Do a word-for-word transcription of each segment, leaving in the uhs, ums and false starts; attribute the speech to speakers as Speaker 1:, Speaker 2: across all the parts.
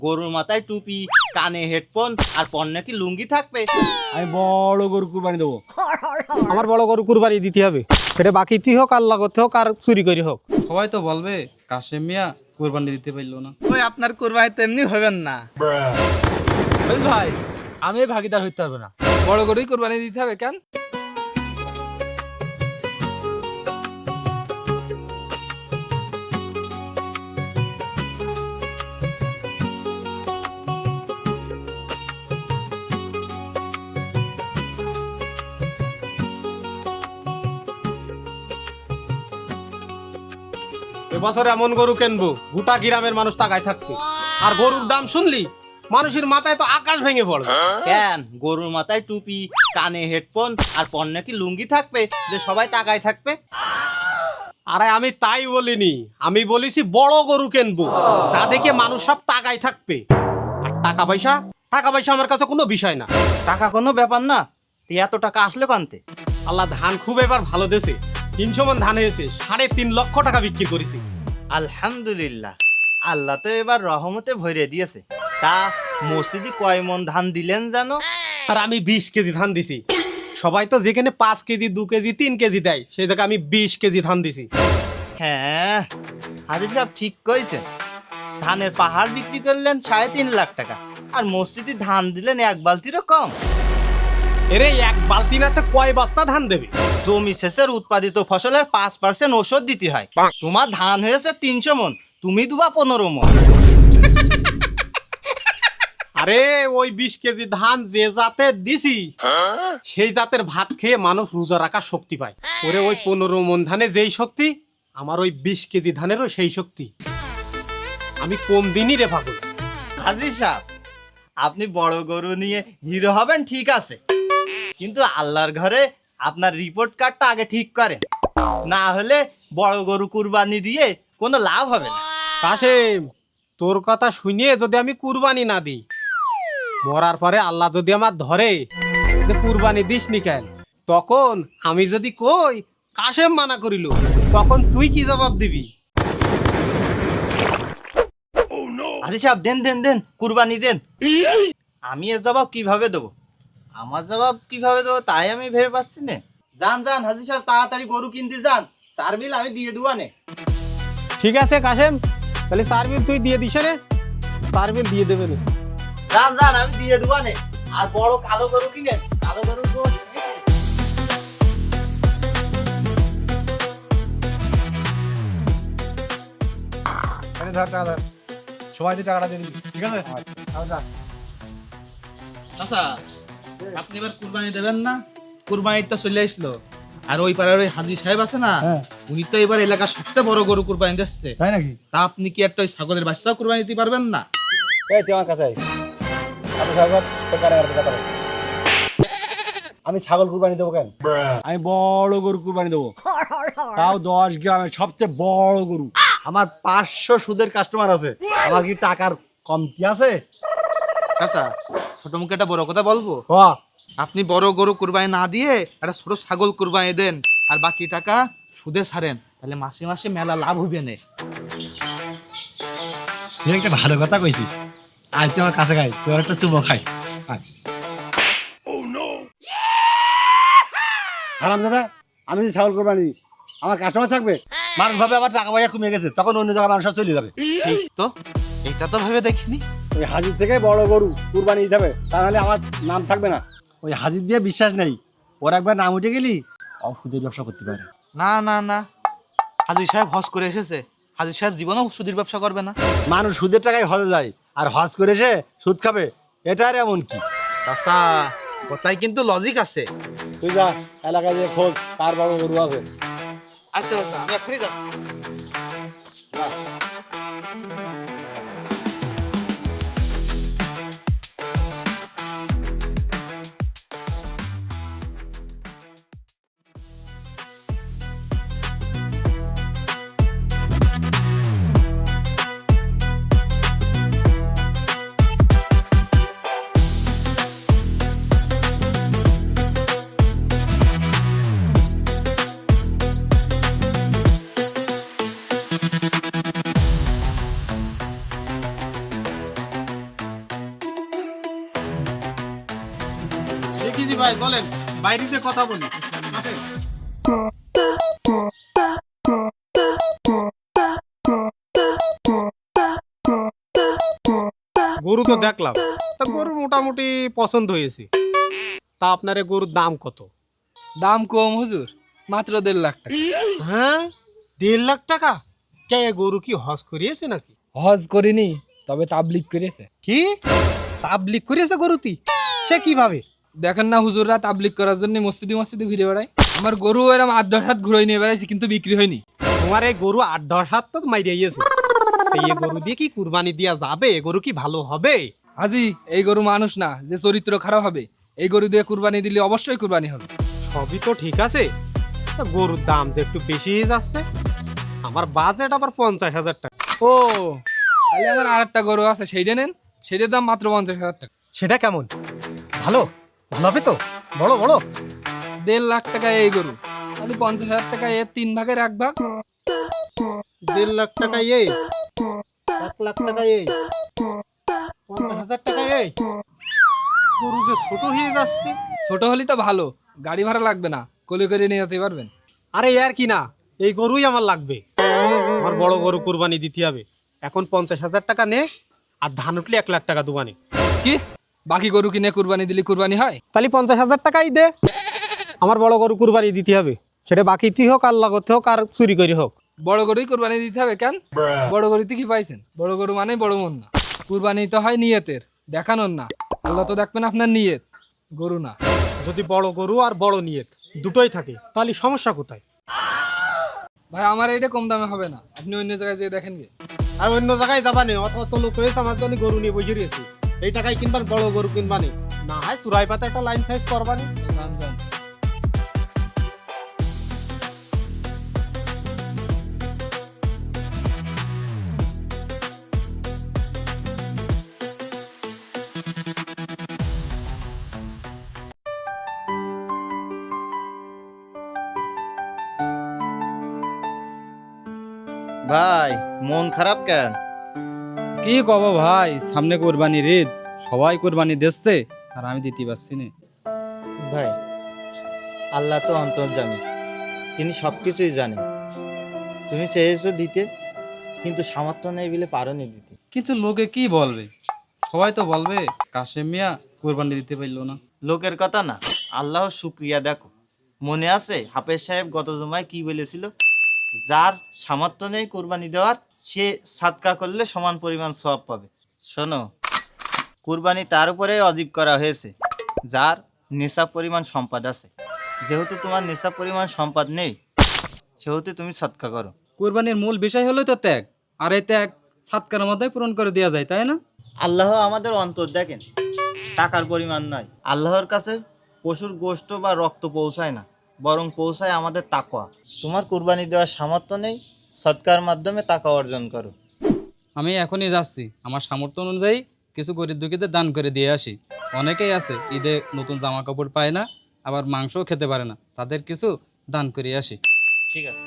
Speaker 1: গরুর মাথায় টুপি, কানে হেডফোন আর পণ্যে কি লুঙ্গি থাকবে?
Speaker 2: আমি বড় গরু কুরবানি দেবো। আমার বড় গরু কুরবানি দিতে হবে, সেটা বাকিতে হোক, আল্লাহ করতে হোক, আর চুরি করে হোক।
Speaker 3: সবাই তো বলবে কাশেম মিয়া কুরবানি দিতে পারলো না।
Speaker 4: ওই আপনার কুরবানি তেমনি হবেন না।
Speaker 5: ভাই আমি ভাগিদার হইতে পারবো না।
Speaker 3: বড় গরুই কুরবানি দিতে হবে কেন?
Speaker 2: এবছর এমন গরু কিনবো গোটা গ্রামের মানুষ তাকায় থাকবে। আর গরুর দাম শুনলি মানুষের মাথায় তো আকাশ ভেঙে পড়বে।
Speaker 1: কেন গরুর মাথায় টুপি, কানে হেডফোন আর পণ্যে কি লুঙ্গি থাকবে যে সবাই তাকায় থাকবে?
Speaker 2: আরে আমি তাই বলিনি, আমি বলেছি বড় গরু কিনবো যা দেখে মানুষ সব তাকায় থাকবে। আর টাকা পয়সা টাকা পয়সা আমার কাছে কোনো বিষয় না।
Speaker 1: টাকা কোনো ব্যাপার না, তুই এত টাকা আসলো কানতে?
Speaker 2: আল্লাহ ধান খুব এবার ভালো দেছে, তিনশো মন ধান হয়েছে, সাড়ে তিন লক্ষ টাকা বিক্রি করেছি।
Speaker 1: আলহামদুলিল্লাহ, আল্লাহ তো এবার রহমতে ভরে দিয়েছে। তা মসজিদে কয় মন ধান দিলেন জানো?
Speaker 2: আর আমি বিশ কেজি ধান দিছি। সবাই তো যেখানে পাঁচ কেজি দু কেজি তিন কেজি দেয়, সেই জায়গায় আমি বিশ কেজি ধান দিছি।
Speaker 1: হ্যাঁ, হাজি সাহেব ঠিক কইছেন। ধানের পাহাড় বিক্রি করলেন সাড়ে তিন লাখ টাকা, আর মসজিদে ধান দিলেন এক বালতিরও কম।
Speaker 2: এরে এক বালতি না তো কয় বস্তা ধান দেবে?
Speaker 1: জমি শেষের উৎপাদিত ফসলের পাঁচ পার্সেন্ট ওষুধ দিতে হয়। তোমার ধান হয়েছে তিনশো মন, তুমি দুবা পনেরো মন।
Speaker 2: আরে ওই বিশ কেজি ধান যে জাতের দিছি সেই জাতের ভাত খেয়ে মানুষ রোজা রাখার শক্তি পায়। ওরে ওই পনেরো মন ধানে যেই শক্তি, আমার ওই বিশ কেজি ধানেরও সেই শক্তি। আমি কম দিনই রে পাগল।
Speaker 1: হাজি সাহেব, আপনি বড় গরু নিয়ে হিরো হবেন ঠিক আছে, কিন্তু আল্লাহর ঘরে আপনার রিপোর্ট কার্ডটা আগে ঠিক করেন, না হলে বড় গরু কুরবানি দিয়ে কোনো লাভ হবে না।
Speaker 2: কাশেম, তোর কথা শুনিয়ে যদি আমি কুরবানি না দিই, মরার পরে আল্লাহ যদি আমার ধরে যে কুরবানি দিস নি কেন, তখন আমি যদি কই কাশেম মানা করিল, তখন তুই কি জবাব দিবি?
Speaker 1: হাজি সাহেব দেন দেন দেন, কুরবানি দেন। আমি এর জবাব কিভাবে দেবো? আমার জবাব কিভাবে দেবো তাই আমি ভেবে পাচ্ছি না। যান যান হাজি সাহেব, তাড়াতাড়ি গরু কিনতে যান, চার বিল আমি দিয়ে দেবো নে।
Speaker 2: ঠিক আছে কাশেম, তাহলে সার্ভিল তুই দিয়ে দিস রে, সার্ভিল দিয়ে দেবে রে।
Speaker 1: যান যান, আমি দিয়ে দেবো নে। আর বড় কালো গরু কিনেন, কালো গরুর গোশ।
Speaker 4: ধর টাকা ধর, সবাই দিয়ে টাকাটা দিয়ে দিবি, ঠিক আছে?
Speaker 6: আচ্ছা, আপনি এবার কুরবানি দেবেন না? কুরবানি তো চলে আসলো, আর ওই পাড়ার ওই হাজি সাহেব আছে না, উনি তো এবার এলাকার সবচেয়ে বড় গরু কুরবানি দিচ্ছে।
Speaker 4: তাই নাকি?
Speaker 6: তা আপনি কি একটা ওই ছাগলের বাচ্চাও কুরবানি দিতে পারবেন না?
Speaker 4: এই তুই আমার কাছে আয়। আমি ছাগল তোর কানে কানে কথা বল। আমি ছাগল কুরবানি দেবো কেন?
Speaker 2: আমি বড় গরু কুরবানি দেবো, তাও দশ গ্রামের সবচেয়ে বড় গরু। আমার পাঁচশো সুদের কাস্টমার আছে, আমার কি টাকার কমতি আছে?
Speaker 6: আচ্ছা, ছোট মুখে একটা বড় কথা বলবো,
Speaker 2: হ,
Speaker 6: আপনি বড় গরু কুরবানি না দিয়ে একটা ছোট ছাগল কুরবানি দেন, আর বাকি টাকা সুদে ছাড়েন, তাহলে মাসে মাসে মেলা লাভ হইবে না।
Speaker 2: তুই একটা ভালো কথা কইছিস। আজ তুই আমার কাছে খাই, তোর একটা চুমো খাই। আরাম দাদা, আমি যদি ছাগল কোরবানি দিই, আমার কাস্টমার থাকবে, মানুষ ভাবে আবার টাকা পয়সা কমে গেছে, তখন অন্য জায়গায় মানুষ সব চলে যাবে।
Speaker 6: ঠিক তো, এটা তো ভেবে দেখিনি।
Speaker 2: ওই হাজির থেকে বড় গরু কুরবানি দিতে হবে, তাহলে আমার নাম থাকবে না। ওই হাজির দিয়ে বিশ্বাস নেই, ওর একবার নাম উঠে গেলি সুদের ব্যবসা করতে পারে।
Speaker 6: না না না, হাজি সাহেব হজ করে এসেছে, হাজি সাহেব জীবনেও সুদের ব্যবসা করবে না।
Speaker 2: মানুষ সুদের টাকায় হজে যায়, আর হজ করে এসে সুদ খাবে, এটা আর এমন কি?
Speaker 6: চাচা, কথায় কিন্তু লজিক আছে।
Speaker 2: তুই যা এলাকায় যে খোঁজ কার বড় গরু আছে।
Speaker 6: আচ্ছা আচ্ছা, আমি এখনই যাচ্ছি।
Speaker 2: জি ভাই বলেন, বাইরেতে কথা বলি। আসেন। গরু তো দেখলাম, তা গরু মোটামুটি পছন্দ হয়েছে। তা আপনার এ গরুর দাম কত?
Speaker 5: দাম কম হুজুর, মাত্র দেড় লাখ টাকা।
Speaker 2: হ্যাঁ, দেড় লাখ টাকা? কে এ গরু কি হজ করিয়েছে নাকি?
Speaker 5: হজ করিনি, তবে তাবলিগ করেছে।
Speaker 2: কি তাবলিগ করিয়েছে গরুতি? সে কিভাবে?
Speaker 5: দেখেন না হুজুররা তাবলিগ করার জন্য মসজিদে মসজিদে ঘুরে বেড়ায়। আমার গরু এরম আট দশ হাত ঘুরে নিয়ে বেড়াইছি, কিন্তু বিক্রি হয়নি।
Speaker 2: তোমার এই গরু আট দশ হাত তো মাইরে গিয়েছে। এই গরু দিয়ে কি কুরবানি দেওয়া যাবে? এ গরু কি ভালো হবে?
Speaker 5: হাজি, এই গরু মানুষ না যে চরিত্র খারাপ হবে। এই গরু দিয়ে কুরবানি দিলে অবশ্যই কুরবানি হবে।
Speaker 2: সবই তো ঠিক আছে, তা গরুর দাম যে একটু বেশি হয়ে যাচ্ছে। আমার বাজেট আবার পঞ্চাশ হাজার টাকা।
Speaker 5: ও, তাহলে আমার আর একটা গরু আছে, সেইটা নেন। সেইটার দাম মাত্র পঞ্চাশ হাজার টাকা।
Speaker 2: সেটা কেমন? ভালো ভালো হবে তো? বড় বড়?
Speaker 5: দেড় লাখ টাকা এই গরু, তাহলে পঞ্চাশ হাজার টাকা এর তিন ভাগের এক ভাগ।
Speaker 2: দেড় লাখ টাকা এই, এক লাখ টাকা এই, পঞ্চাশ হাজার টাকা এই। গরু যে ছোট হয়ে যাচ্ছে।
Speaker 5: ছোট হলে তো ভালো, গাড়ি ভাড়া লাগবে না, কোলে করে নিয়ে যেতে পারবেন।
Speaker 2: আরে আর কি না, এই গরুই আমার লাগবে। আমার বড় গরু কুরবানি দিতে হবে। এখন পঞ্চাশ হাজার টাকা নে, আর ধান উঠলে এক লাখ টাকা দুবানি।
Speaker 5: কি, বাকি গরু কিনে কুরবানি দিলে কুরবানি হয়?
Speaker 2: তাহলে পঞ্চাশ হাজার টাকাই দে। আমার বড় গরু কুরবানি দিতে হবে, সেটা বাকিতে হোক, আর লাগতে হোক, আর চুরি করে হোক।
Speaker 5: বড় গরুই কুরবানি দিতে হবে কেন? বড় গরুতে কি পাইছেন? বড় গরু মানে বড় মন না। কুরবানি তো হয় নিয়তের, দেখানোর না। আল্লাহ তো দেখবেন আপনার নিয়ত, গরু না।
Speaker 2: যদি বড় গরু আর বড় নিয়ত দুটোই থাকে, তাহলে সমস্যা কোথায়?
Speaker 5: ভাই আমার এইটা কম দামে হবে না, আপনি অন্য জায়গায় যেয়ে দেখেন গে।
Speaker 2: আর অন্য জায়গায় যাবা নেই, অত অত লোক রয়েছে আমার জন্য গরু নিয়ে বসে রয়েছে। এই টাকায় কিনবার বড় গরু কিনবানি, না হয় চুরাই পাতা একটা লাইন সাইজ করবানি।
Speaker 5: যান, যান।
Speaker 1: ভাই মন খারাপ কেন?
Speaker 3: কি কব ভাই, সামনে কোরবানির ঈদ, সবাই কোরবানি দিচ্ছে আর আমি দিতে পারছি না।
Speaker 1: ভাই আল্লাহ তো অন্তর্যামী, তিনি সব কিছুই জানেন। তুমি চেয়েছো দিতে, কিন্তু সামর্থ্য নেই বলে পারোনি দিতে।
Speaker 3: কিন্তু লোকে কি বলবে? সবাই তো বলবে কাশেম মিয়া কোরবানি দিতে পারলো না।
Speaker 1: লোকের কথা না, আল্লাহর শুক্রিয়া দেখো। মনে আছে হাফেজ সাহেব গত জুমায় কি বলেছিল? যার সামর্থ্য নেই কুরবানি দেওয়ার, সে সাদকা করলে সমান পরিমাণ সওয়াব পাবে। শোনো, কুরবানি তার উপরে অজীব করা হয়েছে যার নেশা পরিমাণ সম্পদ আছে। যেহেতু তোমার নেশা পরিমাণ সম্পদ নেই, সেহেতু তুমি সাদকা করো।
Speaker 3: কোরবানির মূল বিষয় হলো তো ত্যাগ, আর এই ত্যাগ সাতকার মধ্যে পূরণ করে দেওয়া যায়, তাই না?
Speaker 1: আল্লাহ আমাদের অন্তর দেখেন, টাকার পরিমাণ নয়। আল্লাহর কাছে পশুর গোশত বা রক্ত পৌঁছায় না, বরং পৌঁছায় আমাদের তাকওয়া। তোমার কুরবানি দেওয়ার সামর্থ্য নেই, সৎকার মাধ্যমে তাকওয়া অর্জন করো।
Speaker 3: আমি এখনই যাচ্ছি, আমার সামর্থ্য অনুযায়ী কিছু গরিব দুঃখীদের দান করে দিয়ে আসি। অনেকেই আছে ঈদে নতুন জামা কাপড় পায় না, আবার মাংসও খেতে পারে না, তাদের কিছু দান করে আসি।
Speaker 1: ঠিক আছে।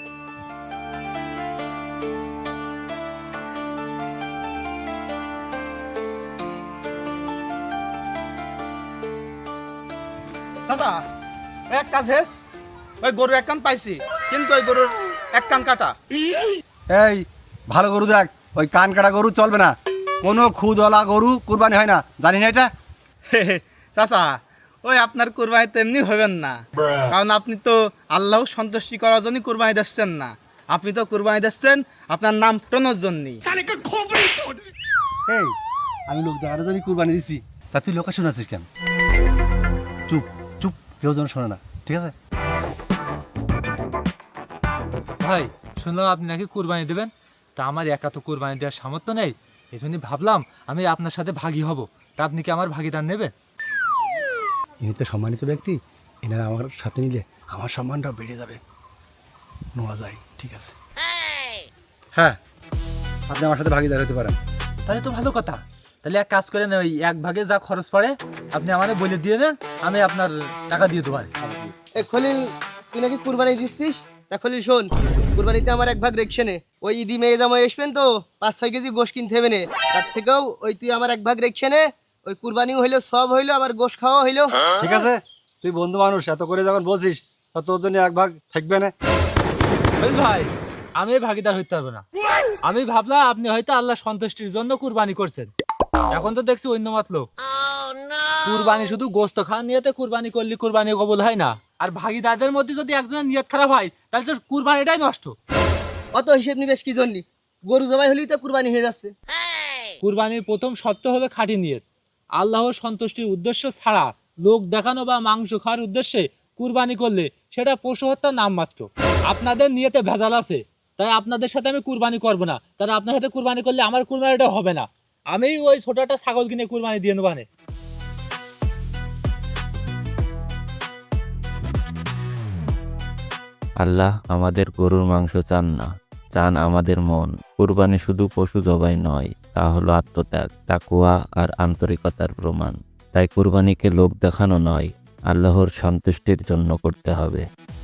Speaker 6: চাচা, এক কাজ হেস, ওই গরুর এক কান পাইছি, কিন্তু ওই গরুর এক কান কাটা।
Speaker 4: এই ভালো গরু দেখ, ওই কান কাটা গরু চলবে না। কোনো খুদওয়ালা গরু কুরবানি হয় না, জানি না এটা?
Speaker 6: চাচা, ওই আপনার কুরবানি তেমনি হবেন না, কারণ আপনি তো আল্লাহ সন্তুষ্টি করার জন্য কুরবানি দিচ্ছেন না। আপনি তো কুরবানি দিচ্ছেন আপনার নাম টোনোর জন্যই।
Speaker 4: এই আমি লোক দেখার জন্য কুরবানি দিছি, তা তুই লোকে শোনাচ্ছিস কেন? চুপ চুপ, কেউ যেন শোনে না, ঠিক আছে?
Speaker 5: ভাই শুনলাম আপনি নাকি কুরবানি দেবেন, তা আমার একা তো কুরবানি দেওয়ার সামর্থ্য নেই। এই জন্যই ভাবলাম আমি আপনার সাথে ভাগী হব। তা আপনি কি আমার ভাগিদার নেবেন?
Speaker 4: ইনি তো সম্মানিত ব্যক্তি, এনারা আমার সাথে নিলে আমার সম্মানটাও বেড়ে যাবে। নোয়া যায়, ঠিক আছে? হ্যাঁ, আপনি আমার সাথে ভাগিদার হতে পারেন।
Speaker 5: তাহলে তো ভালো কথা। তাহলে এক কাজ করেন, ওই এক ভাগে যা খরচ পড়ে আপনি আমাদের বলে দিয়ে দেন, আমি আপনার টাকা দিয়ে দেবো।
Speaker 7: এ খলিল, তুই নাকি কুরবানি দিচ্ছিস? তা খলিল শোন, কুরবানিতে আমার এক ভাগ রেখছে নে। ওই ঈদি মেয়ে জামাই আসবেন তো, পাঁচ ছয় কেজি গোশ কিনতে হবে নে। তার থেকেও ওই তুই আমার এক ভাগ রেখছে নে, ওই কুরবানিও হইলো, সব হইলো, আবার গোশ খাওয়া হইলো।
Speaker 4: ঠিক আছে, তুই বন্ধু মানুষ, এত করে যখন বলছিস তা তোর জন্য এক ভাগ থাকবে না।
Speaker 8: ওই ভাই, আমি এই ভাগিদার হইতে পারবো না। আমি ভাবলাম আপনি হয়তো আল্লাহ সন্তুষ্টির জন্য কুরবানি করছেন, এখন তো দেখছি অন্য মতলব। কুরবানি শুধু গোস্ত খাওয়ার নিয়তে কুরবানি করলে কুরবানি কবুল হয় না, আর ভাগিদারদের মধ্যে যদি একজনের নিয়ত খারাপ হয় তাহলে তো কুরবানিটাই নষ্ট।
Speaker 7: অত হিসেব নিবেশ কি জন্য? গরু জবাই হলেই তো কুরবানি হয়ে যাচ্ছে।
Speaker 8: কুরবানির প্রথম শর্ত হলো খাঁটি নিয়ত। আল্লাহর সন্তুষ্টির উদ্দেশ্য ছাড়া লোক দেখানো বা মাংস খাওয়ার উদ্দেশ্যে কুরবানি করলে সেটা পশু হত্যার নাম মাত্র। আপনাদের নিয়তে ভেজাল আছে, তাই আপনাদের সাথে আমি কুরবানি করব না। তাই আপনার সাথে কুরবানি করলে আমার কুরবানিটা হবে না। আমি ওই ছোট একটা ছাগল কিনে কুরবানি দিয়ে নেবো।
Speaker 9: আল্লাহ আমাদের গরুর মাংস চান না, চান আমাদের মন। কুরবানি শুধু পশু জবাই নয়, তা হলো আত্মত্যাগ, তাকওয়া আর আন্তরিকতার প্রমাণ। তাই কুরবানিকে লোক দেখানো নয়, আল্লাহর সন্তুষ্টির জন্য করতে হবে।